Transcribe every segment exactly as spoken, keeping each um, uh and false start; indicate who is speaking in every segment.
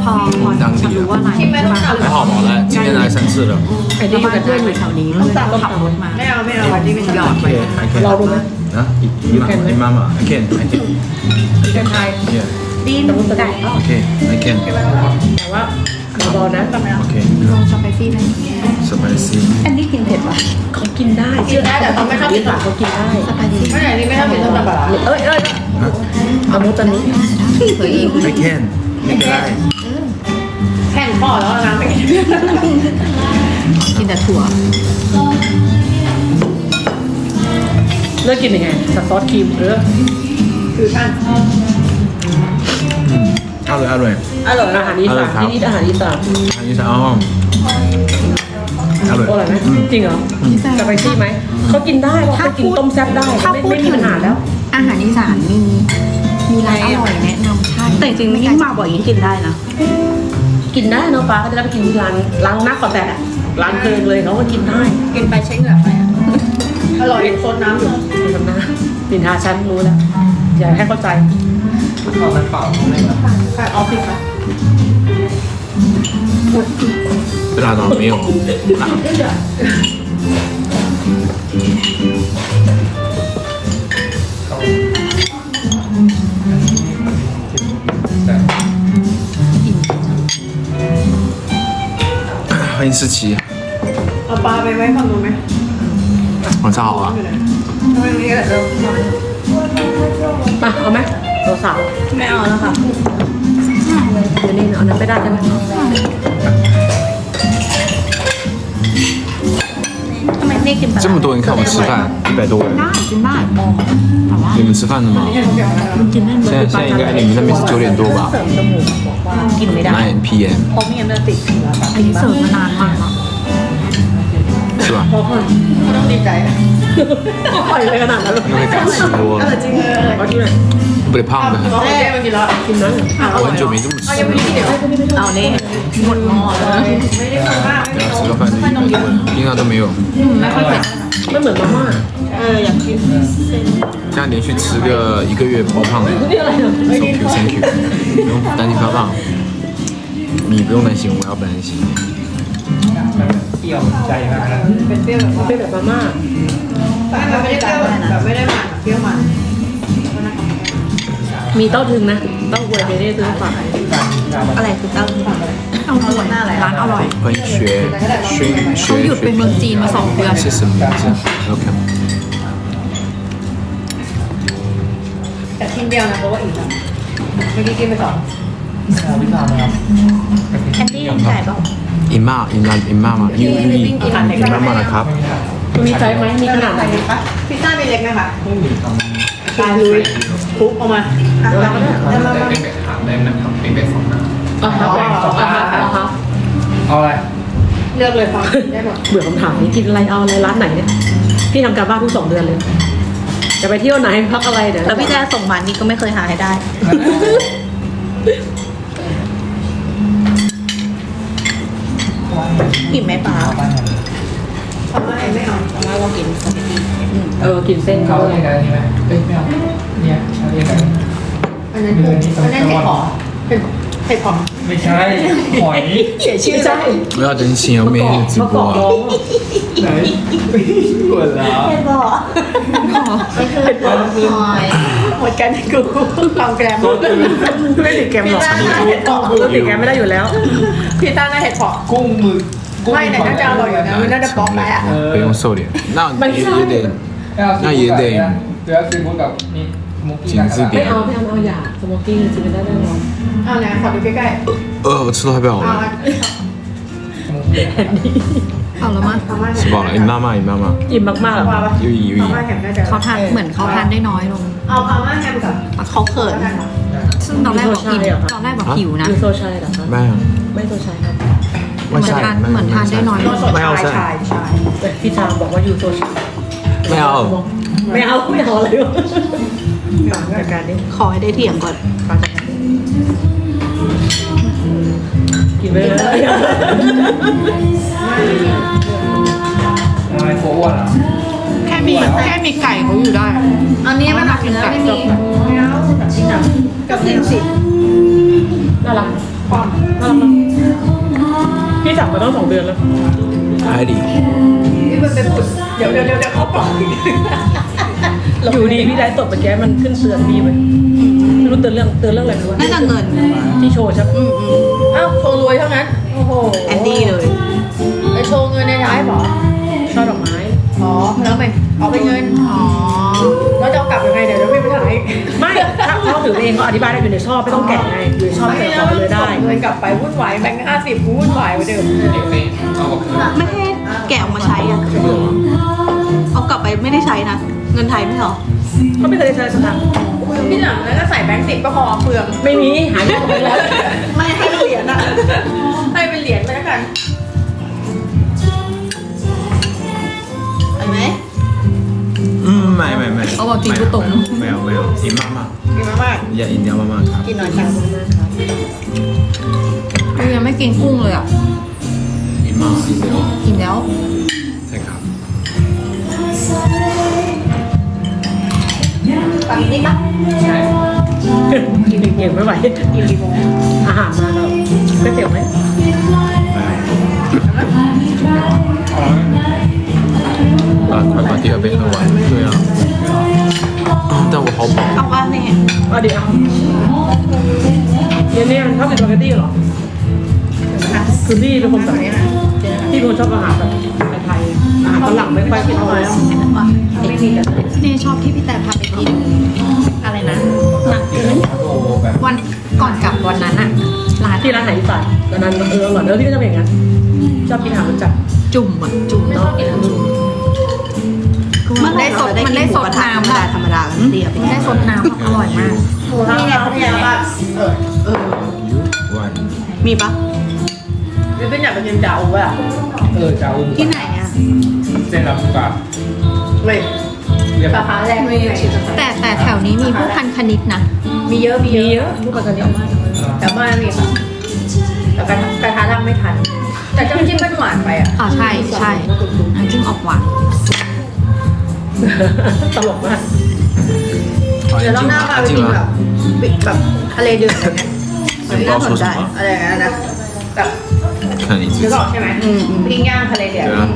Speaker 1: อพอจะรู้ว่าร้านที่ร้าน
Speaker 2: 还好吧，来，今天来三次了。
Speaker 1: ไอ้ที่อยู่กับเพื่อนอยู่แถวนี้เพื่อนก็ขับรถมา
Speaker 3: ไม่เอาไม่เอาที่ไม่หยอดไป
Speaker 2: I can.
Speaker 4: เราดูไหม
Speaker 2: 啊，姨妈，姨妈妈，I can, I can.
Speaker 4: เป็นไทย
Speaker 2: Yeah,
Speaker 1: ดีนไก่
Speaker 2: okay, I can.
Speaker 4: แต่ว่าเบาๆนะ
Speaker 2: Okay.
Speaker 1: ลงสไปซี่ได้
Speaker 2: Spicy.
Speaker 1: อันนี้กินเผ็ดปะ
Speaker 4: เขากินได้
Speaker 3: กินได้แต่เขาไม่ชอบกิน
Speaker 4: ปากเขากินได้
Speaker 1: สไปซี่
Speaker 3: ไม่ไหนนี่ไม่ชอบกินต้มยำปลาร้า
Speaker 4: เอ้ยเอ้ยเอามุตอนนี้
Speaker 1: เฮ้ย
Speaker 2: I can. ไม่เป็นไร
Speaker 3: แข่งพ่อแล้วนะไม่กิน
Speaker 1: กินแต่ถั่ว
Speaker 4: เลือกกินยังไงกับซอสครีมเออ
Speaker 3: คือท่าน
Speaker 2: อร่อยอร่อย
Speaker 3: อร่อย
Speaker 4: อาหารอีสานที่นี่อาหารอีสาน
Speaker 2: อันนี้ใช่อ๋ออร่อย
Speaker 4: อร่อยไหมจริงเหรอสไปซี่ไหมเขากินได้เขาไปกินต้มแซ่บได้
Speaker 1: ถ้า
Speaker 4: ไม่
Speaker 1: พูด
Speaker 4: ไม่มี
Speaker 1: ถึง
Speaker 4: ปัญหาแล้ว
Speaker 1: อาหารอีสานมีมีร้านอร่อยแนะนำใช่แต่จริงๆยิ่งมาบ่อยยิ่งกินได้นะ
Speaker 4: กินได้เนาะป้าก็จะได้ไปกินที่ร้านร้านนักก่อนแต่ร้านเพลิงเลยเขาก็กินได้
Speaker 3: กินไปใช้เหงื่อไปอร่อยซดน้ำอยู่
Speaker 4: ทำหน้านินทาฉันรู้แล้วอย่าให้เข้าใจ
Speaker 3: ค่ะออฟฟิศค่ะ
Speaker 2: 辣到没有辣。欢迎思琪，
Speaker 3: เอาปลาไปไว้ฝั่งนู้นไหม
Speaker 2: 晚上好啊。
Speaker 3: ทำไมตรงนี้แหละเริ่ม
Speaker 4: มาเอาไหมตัวสาว
Speaker 3: ไม่เอาแล้วค่ะ
Speaker 4: เดี๋ยวนี้เอานั้นไม่ได้ใช่ไหม
Speaker 1: ทำไมไม่กินปลา
Speaker 2: 这么多人看我吃饭，一百多人，
Speaker 1: ได้กินได้แต่ว่า
Speaker 2: 你们吃饭了吗？
Speaker 1: กินได้
Speaker 2: 现在现在应该你们那边是九点多吧
Speaker 4: เสริมจมูกบอกว่ากินไม่ได้
Speaker 2: ？nine p m
Speaker 3: เพราะไม่งั้นมันจะติด
Speaker 1: อันนี้เสิร์ฟมานานมากแล้ว
Speaker 2: 是吧？
Speaker 4: เพราะว่า
Speaker 3: ต้องดีใจนะ
Speaker 4: ปล่อยเลยขนาดนั้นเลย
Speaker 2: 因为敢吃多
Speaker 3: เออ
Speaker 2: 了，
Speaker 3: จริงเลย
Speaker 4: เอาที่ไหน
Speaker 2: 不得胖的很。
Speaker 3: เราเจ๊มากินแล้ว
Speaker 4: กินนั้น
Speaker 2: 我很久没这么吃
Speaker 3: ยังไม่ได้กินเดี๋ยว
Speaker 2: 了，
Speaker 1: เอาเนี่ยหมดหม้อเลย
Speaker 3: ไม่ได้กินมาก
Speaker 2: 等下吃个饭就一百多人，平常都没有。
Speaker 1: ไม่ค่อยเผ็ด
Speaker 4: ไม่เหมือนมาม่า
Speaker 3: เอออยากกิน
Speaker 2: 这样连续吃个一个月不胖的
Speaker 4: นี่อะไรเนี่ย
Speaker 2: ，thank you thank you，不用担心发胖，你不用担心，我要不担心。
Speaker 5: เปรี้ยวใจมากนะ
Speaker 3: เป็นเปรี้ยวแบบว่า
Speaker 4: เป็นแบบมาม่า
Speaker 3: แต่มันไม่ได้เปรี้ยวแบบไม่ได้มันเปรี้ยวมัน
Speaker 4: มีเต้าถึงนะเต้าหวยเบเน่ซื้อฝาก
Speaker 1: อะไรคือเต้าหู้เต้าหู้ร้านอร่อย
Speaker 2: 欢迎学学
Speaker 1: เขา
Speaker 2: 学
Speaker 1: หยุดไปเมืองจีนมาสองเดือน
Speaker 2: 是什么名字？OK。
Speaker 3: แต่ชิ้นเดียวนะเพราะว่าอิ่มแล้วเมื่อกี้กินไปสอง
Speaker 5: วิชานะครับ
Speaker 1: แอนดี้ไก่เปล่า
Speaker 2: 姨妈，姨妈，姨妈妈，姨姨姨妈妈的ครับ
Speaker 4: มันมีไซส์ไหมมีขนาดไหน
Speaker 3: พิซซ่ามีเล็กไหมคะ
Speaker 5: ไม่มีค
Speaker 3: ตายลุยคลุกออกมาอ่ะแล้วก็แล้วมา
Speaker 5: ำเป็นเป็ดถามได้นะครับเป็นเป็ดสองหน้า
Speaker 4: อ่ะครับอ่ะครับอ่ะครับ
Speaker 5: เอาอะไร
Speaker 3: เลือกเลยฟังได้หมด
Speaker 4: เบื่อคำถามนี้กินอะไรเอาอะไรร้านไหนเนี่ยพี่ทำการบ้านทุกสองเดือนเลย จะไปเที่ยวไหนพักอะไรเดี๋ยว
Speaker 1: แล้วพี่แจ๊ส่งมานี่ก็ไม่เคยหาให้ได้อิ่มไหมป้า
Speaker 5: เอาบ้านไหน
Speaker 3: ทำไมไม่เอา
Speaker 1: เพราะว่าเรากินสปาเกตตี้
Speaker 4: เออกินเส้น
Speaker 5: เขา
Speaker 4: เขา
Speaker 5: เรียกอะไรนี่ไหมเอ้ยไม่เอาเนี่ยเขาเรียกอะไร
Speaker 3: อันนั้นอันนั้นเห็ดหอมเห็ดเห็ดหอม
Speaker 5: ไม่ใช่หอย
Speaker 3: เสียชื่อ
Speaker 4: ไม่ใช่
Speaker 2: 不要真心哦，每天直
Speaker 4: มะก
Speaker 2: 播
Speaker 4: อกร้อ
Speaker 2: 啊。
Speaker 4: ง
Speaker 5: ไหนปวดแล้ว
Speaker 3: เห็ดหอม
Speaker 1: ไม่คือหอย
Speaker 3: หมดกันกูความแกรม
Speaker 4: ไม่ติดแกมหรอกปกติแกมไม่ได้อยู่แล้ว
Speaker 3: พี่ต้าน่าเห็ดหอม
Speaker 5: กุ้งหมึกกุ้ง
Speaker 3: ไม่แต่น่าจะอร่อยอยู่นะมันน่าจะป๊อกไปอ่ะ
Speaker 2: 不用瘦脸，那也也得
Speaker 5: 那也得เดี๋ยวซีฟู้ดกับนี่มุกกี้
Speaker 2: 精致
Speaker 4: ไม่
Speaker 2: 点
Speaker 4: เอา。ไม่เอาไม่เอาอย่าสโมกกิ้งกินไม่ได้แน่นอน
Speaker 3: เอาไหนขอดูใกล้
Speaker 2: 呃，我吃的太饱
Speaker 3: ๆเอา
Speaker 2: 了，
Speaker 1: เอาแล้วมั้ง
Speaker 3: เอามา
Speaker 2: 吃饱了。姨妈妈，姨妈妈，
Speaker 4: อิ่มมากๆหรอ
Speaker 3: เอามา
Speaker 2: 又一又
Speaker 3: เอา
Speaker 2: 一
Speaker 3: มา。แฮมน่าจะ
Speaker 1: เขาทานเหมือนเขาทานได้น้อยลง
Speaker 3: เอาเอามาแฮมกับ
Speaker 1: เขาเขินซึ่งตอนแรกบอกอิ่มตอนแรกบอกหิวนะ
Speaker 4: ยูโซชัยเหรอคะ
Speaker 2: 没有，
Speaker 4: ไม่โซชัยครับ
Speaker 1: เหมือนทานเหมือนทานได้น้อยลง
Speaker 2: ไม่เอา
Speaker 3: ชาย
Speaker 2: ใช่
Speaker 3: ชายชาย
Speaker 4: แต่พี่ชามบอกว่ายูโซชัย
Speaker 2: ไม่เอา
Speaker 4: ไม่เอาไม่เอาอะไรวะจัดการดิ
Speaker 1: ขอให้ได้เถียงก่อน
Speaker 4: กินไปเลย
Speaker 5: ทำไมโฟอ้วนอ่ะ
Speaker 1: แค่มีแค่มีไก่เขาอยู่ได้
Speaker 3: อันนี้มันหนักเนื้อไม่มีไม่เอากับชิ้นหนักกับลิ้นสิ
Speaker 4: น่ารัก
Speaker 3: ความ
Speaker 4: น่าบมาต้องสองเดือนแล้ว
Speaker 2: 海里
Speaker 3: นี่มันเป็นผุดเดี๋ยวเดี๋ยวเดี๋ยวเดี๋ยวเขาปล่อย
Speaker 4: อยู่ดีพี่ไลฟ์สดเมื่อกี้มันขึ้นเตือนพี่ไปไม่รู้เตือนเรื่องเตือนเรื่องอะไรไม่รู้
Speaker 1: น่าจะเงิน
Speaker 4: ที่โชว์ใช่ปะ
Speaker 1: อืมอืม
Speaker 3: อ้าวโชว์รวยเท่านั้นโอ้โห
Speaker 1: แอนดี้เลย
Speaker 3: ไอโชว์เงินในท้ายเหรอ
Speaker 4: ช่อดอกไม้
Speaker 3: อ๋อแล้วไงเอาไปเงิน
Speaker 1: อ๋อ
Speaker 3: แล้วจะเอากลับยังไงเดี๋ยวจะไม่ไปถ่าย
Speaker 4: ไม่ถ้าเขาถือเองเขาอธิบายได้อยู่ในช่อไม่ต้องแกะไงอยู่ในช่อ
Speaker 3: ไม่
Speaker 4: แกะ
Speaker 3: แล้
Speaker 4: ต่
Speaker 3: ว
Speaker 4: อไปเลยได้
Speaker 3: เงินกลับไปวุ่นวายแบงค์ห้าสิบวุ่นวายเหมือนเดิม
Speaker 5: เด็กนี่เอาออกคืน
Speaker 1: ไม่ให้แกะออกมาใช้อ่ะ
Speaker 2: 有啊，
Speaker 1: เอากลับไปไม่ได้ใช้นะ เงินไทยไม่เหรอ
Speaker 4: เขาไม่เคยได้ใช้สตางค์
Speaker 3: ที่หลังแล้วก็ใส่แบงค์สิบก็พอเปลือง
Speaker 4: ไม่มีหายไปแล้ว
Speaker 1: ไม่ให้เหรียญอ่ะ
Speaker 3: ให้เป็นเหรียญไปแล้วกัน
Speaker 1: เห็นไหม
Speaker 2: 嗯，买买买，
Speaker 1: 哦我听不懂
Speaker 2: 没有没有，你妈妈，
Speaker 3: กินมามาก
Speaker 2: 要一定要慢慢看
Speaker 3: กินหน่อยค่ะ
Speaker 1: เรายังไม่กินกุ้งเลยอ่ะ
Speaker 2: 你妈一定要
Speaker 1: กินแล้ว
Speaker 2: 再看。
Speaker 3: ตังนี้ปะ
Speaker 5: ใช่
Speaker 4: กินเก่งไม่ไหว
Speaker 3: กินกี่โมง
Speaker 4: อาหารมาแล้วก๋วยเตี๋ยวไหม
Speaker 2: 啊，快把第二杯喝完。对啊，但我好饱。
Speaker 1: เอาว่าเนี่ย
Speaker 4: เอาดิเอาเนี่ยเนี่ยชอบกินสปาเกตตี้เหรอคือพี่เป็นคนแบบนี้นะพี่เป็นคนชอบอาหารแบบไทยๆอาหารฝรั่งไม่ค่อยกินเท่าไหร่
Speaker 3: ไม่มีกัน
Speaker 1: นี่ชอบที่พี่แต่พาไปกิน อะไรนะหนังจืด
Speaker 5: โอ้แบบ
Speaker 1: วันก่อนกลับวันนั้นอะร้าน
Speaker 4: ที่ร้านไหนอีสานตอนนั้นเอออร่อยเออพี่ก็ชอบอย่างนั้นชอบกินอาหารรสจัด
Speaker 1: จุ่มอะจุ่มเนาะมันได้สดมันได้สดน้ำอะธรรมดาเดียวได้สดน้ำอร่อยมาก
Speaker 3: นี่ไงพัทยาบ้านเออ
Speaker 1: เออ
Speaker 2: One，
Speaker 1: มีปะ
Speaker 3: หรือเป็นอยากไปกินดาวป่ะ
Speaker 5: เออเจ้า
Speaker 1: ที่ไหนอะ
Speaker 5: เส้นลำปาง
Speaker 3: ไม่
Speaker 5: เรียบ
Speaker 3: สาขาแรกไม่ไง
Speaker 1: แต่แต่แถวนี้มีผู้พันคณิตนะ
Speaker 3: มีเยอะมี
Speaker 4: มี
Speaker 3: เย
Speaker 4: เย
Speaker 3: อะ
Speaker 4: อะลูกปัตตานีมาก
Speaker 3: แต่บ้านมีค่ะแต่กระทะกระทะทำไม่ทัน แต่จ้ำจิ้มมันหวานไปอ่ะ
Speaker 1: อ๋อใช่ใช่น้ำจิ้มออกหวาน
Speaker 4: ตลกมาก
Speaker 3: เดี๋ยวรอบหน้าพาไปกินแบบแบบทะเลเดือดอะไรเงี้ย
Speaker 2: 你不知道说什么？
Speaker 3: อะไรอย่างนั้นนะแบบ
Speaker 2: 看你自
Speaker 3: นึก
Speaker 2: 己
Speaker 3: อ。อกใช่ไหม
Speaker 1: อืมอืม
Speaker 3: ปิ้งย่างทะเลเดือด
Speaker 2: 对啊。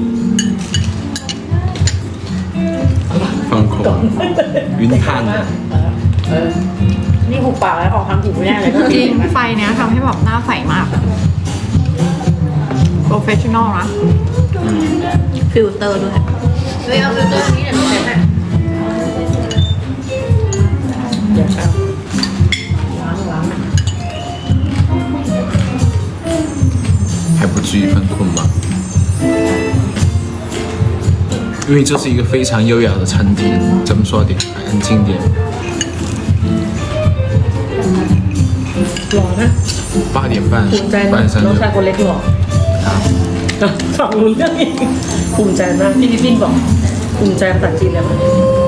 Speaker 2: 放空，晕碳的。
Speaker 3: เออนี่หุบปากแล้วออกทำผิดแน่เลยก็
Speaker 1: จริงไฟเนี้ยทำให้แบบหน้าใสมากโปรเฟชชั่นอลนะฟิลเตอร์ด้วย
Speaker 3: เฮ้ยเอาฟิลเตอร์นี้เดี๋ยวหนูเซ็ตให้
Speaker 4: เดี๋ยวครับล้างล้าง
Speaker 2: 还不至于犯困吧？因为这是一个非常优雅的餐厅，咱们说点，安静点。
Speaker 4: หล่อนะ
Speaker 2: 八点半
Speaker 4: ภูมิใจนะ
Speaker 2: 半山
Speaker 4: น้องชาย
Speaker 2: 就
Speaker 4: คนเล็กหล่อฟังรู้เรื่องอีกภูมิใจมากพี่พี่บอกภูมิใจภาษาจีนแล้วมั้ย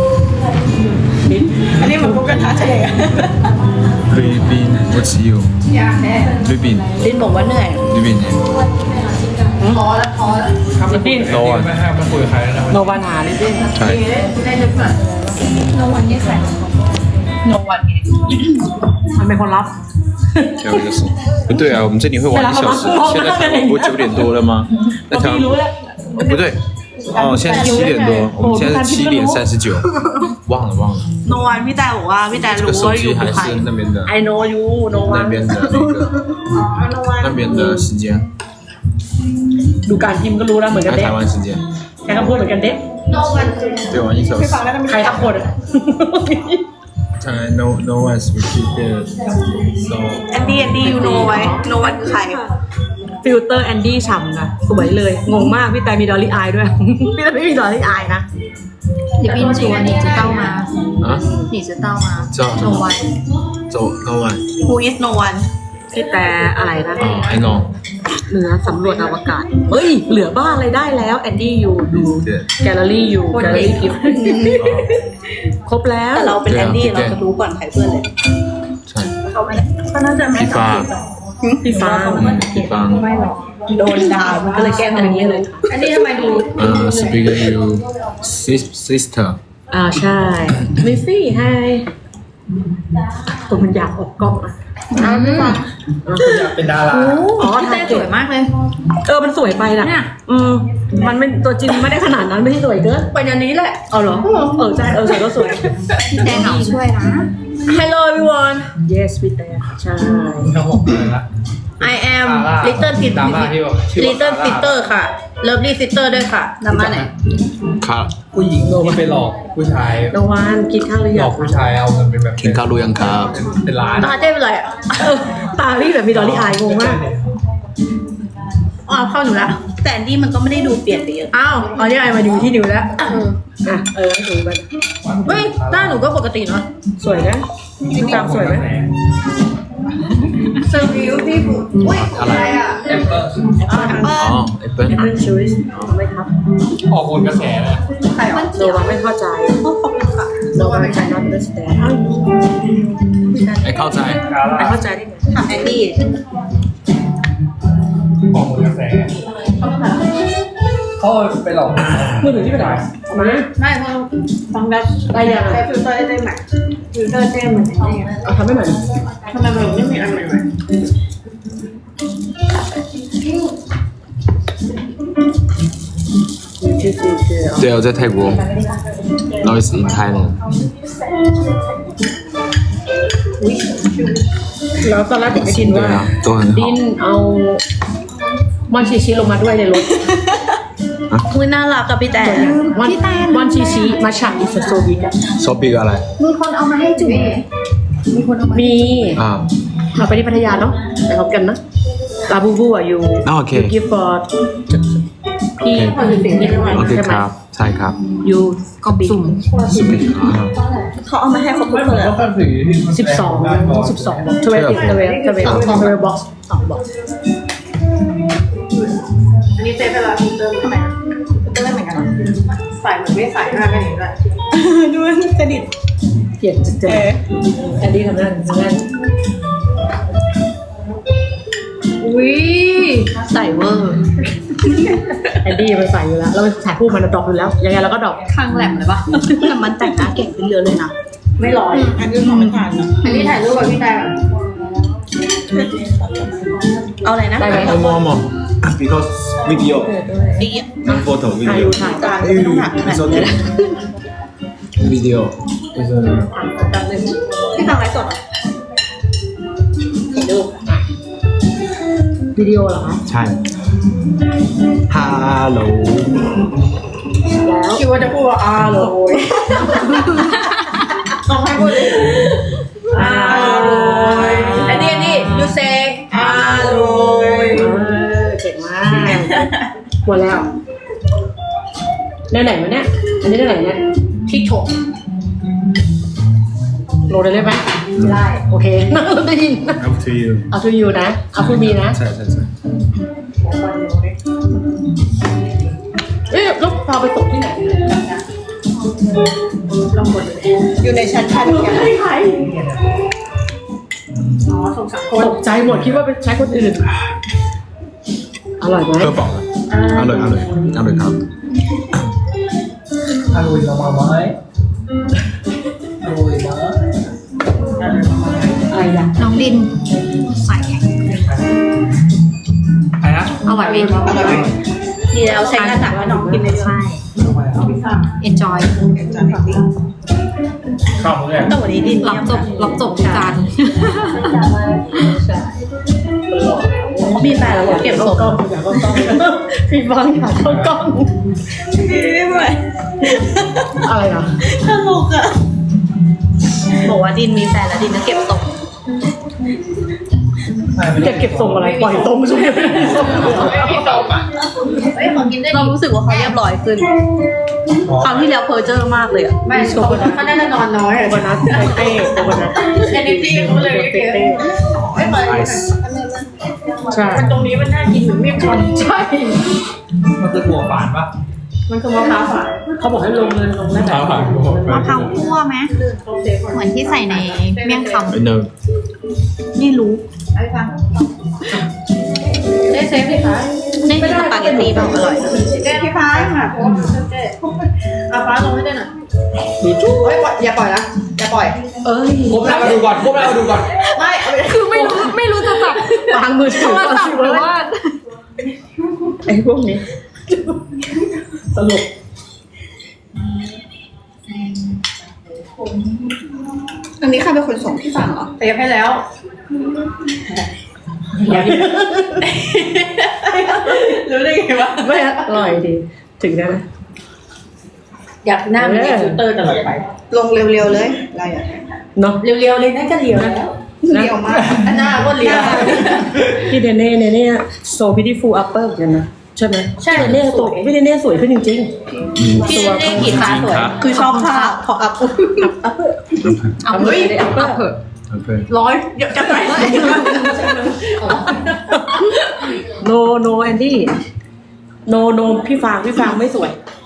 Speaker 3: อันนี้เหมือนพวกกระทะทะเลอะ
Speaker 2: 菲律宾，我只有
Speaker 3: ยากแน่
Speaker 2: 菲律宾，
Speaker 1: ลินบอกว่าเหนื่อย
Speaker 2: 菲律宾人。
Speaker 3: พอแล้วพอแล้ว
Speaker 5: ถ้าไม่คุยไม่ให้ไม่คุยกับใครแล้วนะ
Speaker 4: โนวานาลิซิ่ง
Speaker 2: ใช่
Speaker 3: ได้ลึกหน่อย
Speaker 1: โนวันนี้ใส่โนวันไง
Speaker 4: มันเป็นคนรับ
Speaker 2: 还有一个是，不对啊，我们这里会晚一小时，现在台湾不是九点多了吗？那台湾
Speaker 4: พี่รู้แล้ว
Speaker 2: 哦不对，哦现在是七点多，我们现在是七点三十九，忘了忘了，
Speaker 1: โนวันพี่แต่บอกว่าพี่แต่
Speaker 2: 这
Speaker 1: รู้
Speaker 2: 个手
Speaker 1: ว่าอยู่
Speaker 2: 机还
Speaker 1: ภูไทย
Speaker 2: 是那边的
Speaker 4: I know you โนวา
Speaker 2: 那边的那个那边的时间，
Speaker 4: ดูการพิมพ์ก็รู้แล้วเหมือนกัน
Speaker 2: 还
Speaker 4: เด็ก
Speaker 2: 台湾时间，
Speaker 4: ใช้คำพูดเหมือนกันเด็ก
Speaker 3: โนวันคือ
Speaker 2: 对，晚一小时。
Speaker 4: ใครทักคนอะ
Speaker 2: 看来 no no one is repeated so
Speaker 1: แอนดี้แอนดี้ยูโนไว้โนวันคือใคร
Speaker 4: ฟิลเตอร์แอนดี้ฉ่ำนะสวยเลย งงมากพี่แต่มีดอลลี่อายด้วย พี่แต่ไม่มีดอลลี่อายนะ
Speaker 1: 你冰厨你知道吗？
Speaker 2: 啊，
Speaker 1: 你知道吗？
Speaker 2: 知道
Speaker 1: No one
Speaker 2: 走 no one
Speaker 1: Who is no one
Speaker 4: พี่แต่อะไรนะ
Speaker 2: 哦 I know
Speaker 4: เหนือสำรวจอวกาศ เฮ้ย เหลือบ้านอะไรได้แล้วแอนดี้อยู่ดู
Speaker 2: 对
Speaker 4: แกลเลอรี่อยู่แกลเลอรี่กิฟต์ครบแล้ว
Speaker 1: แต่เราเป็นแอนดี้เราจะรู้ก่อนใครเพื่อนเลย
Speaker 2: ใช่
Speaker 1: ก็น่าจะไม่
Speaker 2: พี่ฟ้า
Speaker 4: พี่ฟ้า
Speaker 2: อืมพี่ฟ้า
Speaker 1: โดนด่ามันก็เลยแก้ตัวนี้เลย
Speaker 3: อันนี้ทำไมดู
Speaker 2: เอ่อ speak you sis- sister
Speaker 4: อ่าใช่ลิซี่ไฮตัวมันอยากออกกล้องอ่ะอ้าวไม่ฟัง
Speaker 5: อยากเป็นดารา
Speaker 3: อ๋อพี่เต้สวยมากเลย
Speaker 4: เออมันสวยไปนะ
Speaker 3: เนี่ย
Speaker 4: อืมมันไม่ตัวจริงไม่ได้ขนาดนั้นไม่ใช่สวยเกิน
Speaker 3: ไปอันนี้แหละ
Speaker 4: เอาเหรอเออใช่เออสวยก็สวย
Speaker 3: พี่เต้เหงาช่วยนะ Hello everyone
Speaker 4: yes พี่แต่ใช่
Speaker 5: ทั้งหกเลยนะ
Speaker 3: I am
Speaker 5: ซาร่า
Speaker 3: Little Fit
Speaker 5: ดราม่าที่บอกชื่อว่า
Speaker 3: Little
Speaker 5: ซาร่า
Speaker 3: Sister ค่ะ Lovely Sister ด้วยค่ะดราม่าไหน
Speaker 2: ครับ
Speaker 5: ผู้หญิงมันไปหลอกผู้ชาย
Speaker 4: นวันกินข้าวหรือ
Speaker 5: หล
Speaker 4: ยั
Speaker 5: อง กผู้ชายเอาเงินเป็นแบบ
Speaker 2: กินข้าวหรือยังครับ
Speaker 5: เป็นล้าน
Speaker 3: ตาเต้เป็นไรอ่ะ
Speaker 4: เออตาพี่แบบมีดอลลี่อายงงมาก
Speaker 3: อ๋อเข้าหนูละ
Speaker 1: แต่อันนี่มันก็ไม่ได้ดูเปลี่ยนไปเยอะ
Speaker 3: อ้าวอ๋อนี่ไอมาดูที่นิวแล้ว
Speaker 4: อ่ะเออให้ดูไป
Speaker 3: เฮ้ยหน้าหนูก็ปกติเนาะ
Speaker 4: สวยนะตามสวยไหม
Speaker 3: เซอร์วิวพี่บุ๋อุ้ย
Speaker 2: อะไร
Speaker 3: อ่ะ
Speaker 5: แอปเปิ้ล
Speaker 2: อ๋อแอปเปิ้ล
Speaker 4: แอปเปิลชูสไม่ครับ
Speaker 5: ออกคนกระแสเลย
Speaker 3: ใครอ่ะ
Speaker 4: โนวันไม่เข้าใจ
Speaker 3: ขอบคุณค่ะ
Speaker 4: โนวันไม่ใช่ not understand
Speaker 2: ไอ้เข้าใจ
Speaker 4: ไม่เข้าใจได้ไง
Speaker 1: ถามแอนดี้
Speaker 5: ออกคนกระแสเขาไปหลอก
Speaker 4: มือถือที่ไปไหนเอามา
Speaker 3: ไม่เพราะฟังได้
Speaker 4: ได้ยัง
Speaker 3: ใช้ฟิลเตอร์ได้ไหมฟิลเตอร์เต้เหมือนไอ้นี่
Speaker 4: เอาทำไม่เหมือน
Speaker 3: ทำไมมันไม่มีอันใหม่
Speaker 4: ชื่อชื่อชื่อ
Speaker 2: 对，我在泰国。Now it's in Thailand。
Speaker 4: แล้วตอนแรกผมไม่ดินว่า
Speaker 2: 对啊，都很
Speaker 4: ดิน
Speaker 2: 好。
Speaker 4: เอามอนชิชิลงมาด้วยในรถ
Speaker 1: อุ้ยน่ารักกับพี่แต่
Speaker 4: มอนมอนชิชิมาฉากอิสโซบิกอะ
Speaker 2: ซอบิกอะไร
Speaker 3: มีคนเอามาให้จุ๋มมีคนเอามา
Speaker 4: มี
Speaker 2: อ่า
Speaker 4: เราไปที่พัทยาเนาะไปพบกันนะลาบูบูอ่ะอยู่
Speaker 2: อ่าโอเค
Speaker 4: ยูกิฟฟอร์ดพี่
Speaker 2: โอเค
Speaker 4: นี่
Speaker 2: โอเค
Speaker 4: ใช่ไห
Speaker 2: ค
Speaker 4: ม
Speaker 2: รับ ใช่ครับ
Speaker 4: อยู่กอบสุ่ม
Speaker 2: อ่า
Speaker 1: เขาเอามาให้ครบทุ
Speaker 5: ไม่
Speaker 1: ก
Speaker 5: เห
Speaker 1: ค
Speaker 5: มือน
Speaker 1: น
Speaker 5: ก็แค่สีที่
Speaker 4: สิบสองสิบสองบอกทเวติทเวทเวททเวบ็อกซ์สองบอก
Speaker 3: อันนี้เต้เป็นอะไรฟิลเตอร์ไหมฟิลเตอร์เหมือนกันใส่เหมือนไม่ใส่หน้ากันอย่างนี้ด้วย
Speaker 1: ดูสนิท
Speaker 4: เปลี่ยนจุดเจอแอนดี้ทำงานทำงาน
Speaker 3: อุ้ย
Speaker 1: ใส่เวอร์
Speaker 4: แอนดี้ไปใส่อยู่แล้วเราไปถ่ายคู่มันดรอปอยู่แล้วยังไงเราก็ดรอป
Speaker 1: ข้างแหลมเลยปะแต่มันแต่งหน้าเก่งขึ้นเยอะเลยนะ
Speaker 3: ไม่ร้อย
Speaker 1: อันนี้มองไม่ผ่านนะ
Speaker 3: อันนี้ถ่ายรูปกับพี่แต่
Speaker 1: เอาอะไรนะ
Speaker 4: ได้ไหม
Speaker 2: เอามอมอ because video
Speaker 1: ดี
Speaker 2: not photo
Speaker 4: อายุถ่าย
Speaker 1: จานก็ไม่ต้องถามขนาดนี้
Speaker 2: video is a
Speaker 1: พี่ฟังไลฟ์สดเหรอ
Speaker 4: วิดีโอเหรอคะ
Speaker 2: ใช่ hello
Speaker 4: แล้ว
Speaker 3: คิดว่าจะพูดว่าอาโรยลองให้พูดดิอาโรยอันนี้อันนี้ you say อาโรย
Speaker 4: เออเก่งมากหมดแล้วได้ไหนมาเนี่ยอันนี้ได้ไหนเนี่ย
Speaker 3: ที่ถก
Speaker 4: โหลดได้เลยไหม
Speaker 3: ได้
Speaker 4: โอเคนั่งได้ยิน
Speaker 2: up to you
Speaker 4: เอาทูยูนะเอาทูมีนะ
Speaker 2: ใช่ใช่ใช่
Speaker 4: เอ๊ะแล้วพาไปตกที่ไหน
Speaker 3: ลองกดดูดิ
Speaker 1: อยู่ในชั้นพันกัน
Speaker 4: ไม่ใคร
Speaker 3: อ๋อสงสารคน
Speaker 4: ตกใจหมดคิดว่าเป็นใช้คนอื่น อร่อยไหม
Speaker 2: เพื่อบอกอร่อยอร่อยอร่อยครับ
Speaker 5: อร่อยมาไหมอร่อยมา
Speaker 4: อะไรอย่าง
Speaker 3: น้องดินใส่
Speaker 5: ใครนะ
Speaker 3: อร่อยไหม
Speaker 1: ดีแล้วใช้กระดาษให้น้องกินเลยใช่
Speaker 3: enjoy
Speaker 5: ชอบเลย
Speaker 1: แต่วันนี้ดิน
Speaker 3: รับจบรับจบจาน
Speaker 1: มีแฟนแล้วเก็บ
Speaker 4: เข้า
Speaker 1: ศพ
Speaker 4: กล้องอยากเข้ากล้องพี่ฟังอยากเข้ากล้อง
Speaker 1: ไม่ไหว
Speaker 4: อะไรอ่ะ
Speaker 1: ตลกอะบอกว่าดินมีแฟนแล้วดินจะเก็บศพ
Speaker 4: เก็บเก็บทรงอะไรปล่อยทรงใช่ไหม
Speaker 1: เรารู้สึกว่าเขาเรียบร้อยขึ้นคราวที่แล้วเพอร์เจอร์มากเลยอะ
Speaker 3: ไม่เขาเขาน่าจะนอนน้อย
Speaker 4: โคนัทเต้โคนัท
Speaker 3: energy เขาเลย
Speaker 4: เต้
Speaker 3: ไม่เปิด
Speaker 2: ไอซ์
Speaker 4: ใช่
Speaker 3: มันตรงนี้มันน่ากินเหมือนเมี่ยงคำ
Speaker 4: ใช่
Speaker 5: มันคือถั่วฝานปะ
Speaker 3: มันคือมะพร้าวฝาน
Speaker 4: เขาบอกให้ลงเลยลงได้แบบ
Speaker 5: ฝาน
Speaker 3: มะพร้าวคั่วไหมเหมือนที่ใส่ในเมี่ยงคำ
Speaker 2: ไอเนอร์
Speaker 1: นี่รู้
Speaker 3: ไอ้ฟังได้เซฟดิคะ
Speaker 1: นี่คือสปาเกตตี้แบบอร่อย
Speaker 3: เจ๊พี่ฟ้าค่ะเจ๊อาฟ้าลงให้ได้หน่อย
Speaker 4: มีจุ๊บ
Speaker 3: เฮ้ยอย่าปล่อยนะอย่าปล่อย
Speaker 4: เอ้ย
Speaker 5: ก้มหน้ามาดูก่อนก้มหน้ามาดูก่อน
Speaker 3: ไม่เอาไป
Speaker 4: คือไม่
Speaker 1: รู้ไม่รู้จะจับ
Speaker 4: วางมือ
Speaker 1: โท
Speaker 4: ถือ
Speaker 1: รศัพท์หรือว่า
Speaker 4: ไอ้พวกนี้ตลก
Speaker 3: อันนี้ใครเป็นคนส่งพี่ฟังเหรอ
Speaker 1: เตรียมให้แล้ว รู้ได้ไงวะ
Speaker 4: ไม่อร่อยดีถึงได้ไหม
Speaker 1: อยากหน้ามันมีฟิลเตอร์ตลอดไป
Speaker 3: ลงเร็วๆเลยอะไรอ่ะ
Speaker 4: เนาะ
Speaker 1: เรียวๆเลยนั่นก็เรียวแล้ว
Speaker 3: เร็วมาก
Speaker 1: หน้าก็เรียว
Speaker 4: พี่เดเน่เนี่ยเนี่ยโซพิธีฟูอัปเปอร์เหมือนกันนะใช่ไหม
Speaker 1: ใช่
Speaker 4: พี่เดเน่ตัวพี่เดเน่สวยขึ้นจริง
Speaker 1: พี่เล่นกีตาร์สวย
Speaker 3: คือชอบท่าพออัพ
Speaker 4: ๆอัปเปอร์
Speaker 1: เอา
Speaker 4: อัปเปอ
Speaker 1: เฮ้ย
Speaker 4: ร์อัปเปอร์
Speaker 1: เถอะ
Speaker 2: Okay.
Speaker 1: ร้อยเดี๋ยวจะไป
Speaker 4: โนโนแอนดี้โนโนพี่ฟางพี่ฟางไม่สวย